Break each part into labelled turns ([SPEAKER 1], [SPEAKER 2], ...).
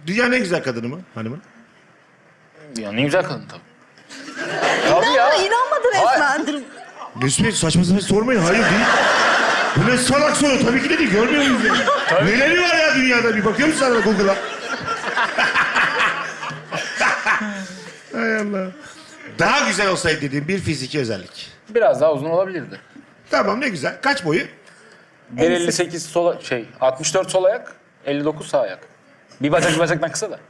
[SPEAKER 1] Dünyanın en güzel kadını mı hanımın?
[SPEAKER 2] Dünyanın en güzel kadın tabii. Tabii ya.
[SPEAKER 3] İnanmadı resmen.
[SPEAKER 1] Mesut Bey saçma sapan sormayın. Hayır değil. Bu ne salak soru? Tabii ki de değil. Görmüyor muyuz yani? Neleri var ya dünyada? Bir bakıyor musun sana Google'a? Hay Allah. Daha güzel olsaydı dediğim bir fiziki özellik.
[SPEAKER 2] Biraz daha uzun olabilirdi.
[SPEAKER 1] Tamam ne güzel. Kaç boyu?
[SPEAKER 2] 1.58 sol 64 sol ayak, 59 sağ ayak. Bir bacaktan kısa da.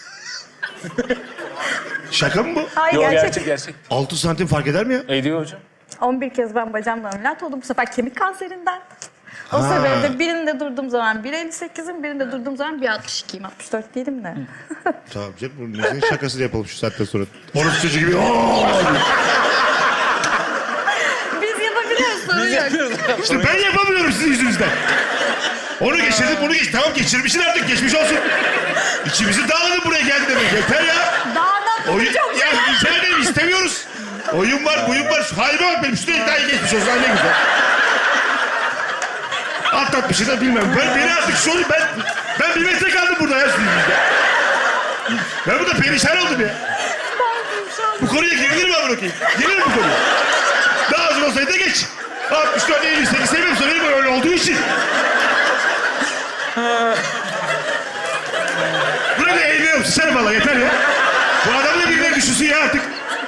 [SPEAKER 1] Şaka mı bu?
[SPEAKER 3] Hayır
[SPEAKER 2] Yok
[SPEAKER 3] gerçek.
[SPEAKER 2] gerçek.
[SPEAKER 1] 6 santim fark eder mi ya?
[SPEAKER 2] Ediyor hocam.
[SPEAKER 3] 11 kez ben bacağımla ameliyat oldum. Bu sefer kemik kanserinden. O sebeple birinde durduğum zaman 1.58'im, birinde durduğum zaman 1.62'yim. 64 değilim de.
[SPEAKER 1] Tamam canım. Bunun nesinin şakasını yapalım şu saatten sonra. Orası çocuğu gibi. "Aa!"
[SPEAKER 3] Biz yapabiliyoruz, sorun yok.
[SPEAKER 1] İşte ben yapamıyorum sizin yüzünüzden. Onu geçirdim, bunu geç. Tamam geçirmişsin artık, geçmiş olsun. İçimizi dağladı buraya geldi demek. Yeter ya.
[SPEAKER 3] Dağdan
[SPEAKER 1] Oyun,
[SPEAKER 3] çok
[SPEAKER 1] ya rica ederim istemiyoruz. Oyun var, buyun var. Şu halime bak benim. Üstüne iddiayı geçmiş olsun. Ha, ne güzel. Atlatmışı da bilmem. Beni artık şu oluyor. Ben 1 metre kaldım burada ya sizin yüzünüzden. Ben burada perişan oldum ya. Bu konuya girilir mi amına koyayım? Girilir mi bu konuya? Daha az olsaydı da geç. 64, 58 seviyorum benim öyle olduğu için. Buraya da eğleniyorum. Sen valla yeter ya. Bu adam da birileri düşünsün ya artık.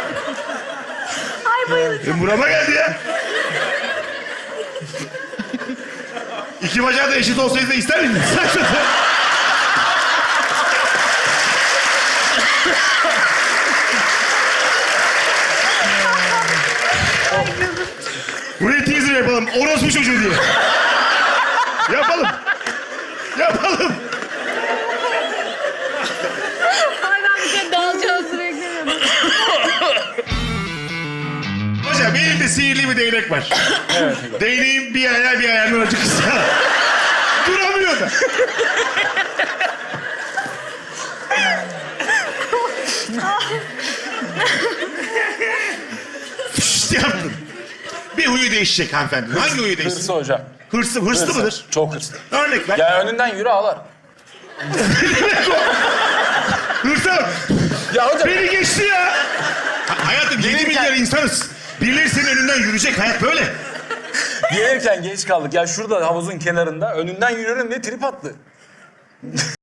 [SPEAKER 3] Ay bayılacağım.
[SPEAKER 1] Burama geldi ya. İki bacağı da eşit olsaydı da ister miydin? Buraya teaser yapalım. Orospu çocuğu diye. Yapalım. Yapalım.
[SPEAKER 3] Ay ben bir kere dağılacağım sürekli.
[SPEAKER 1] Hocam elimde sihirli bir değnek var.
[SPEAKER 2] Evet.
[SPEAKER 1] Değneğin bir ayağı bir ayağından acı kısa. Duramıyor da. Fışt yaptın. Bir huyu değişecek hanımefendi. Hangi huyu değişecek?
[SPEAKER 2] Hırsı hocam.
[SPEAKER 1] Hırslı
[SPEAKER 2] Hırsı.
[SPEAKER 1] mıdır?
[SPEAKER 2] Çok hırslı.
[SPEAKER 1] Örnek ver.
[SPEAKER 2] Ya önünden yürü ağlar.
[SPEAKER 1] Hırsa bak.
[SPEAKER 2] Ya hocam.
[SPEAKER 1] Beni geçti ya. Hayatım 7 milyar insanız. Birileri senin önünden yürüyecek. Hayat böyle.
[SPEAKER 2] Gelirken geç kaldık. Ya şurada havuzun kenarında önünden yürüyorum diye trip attı.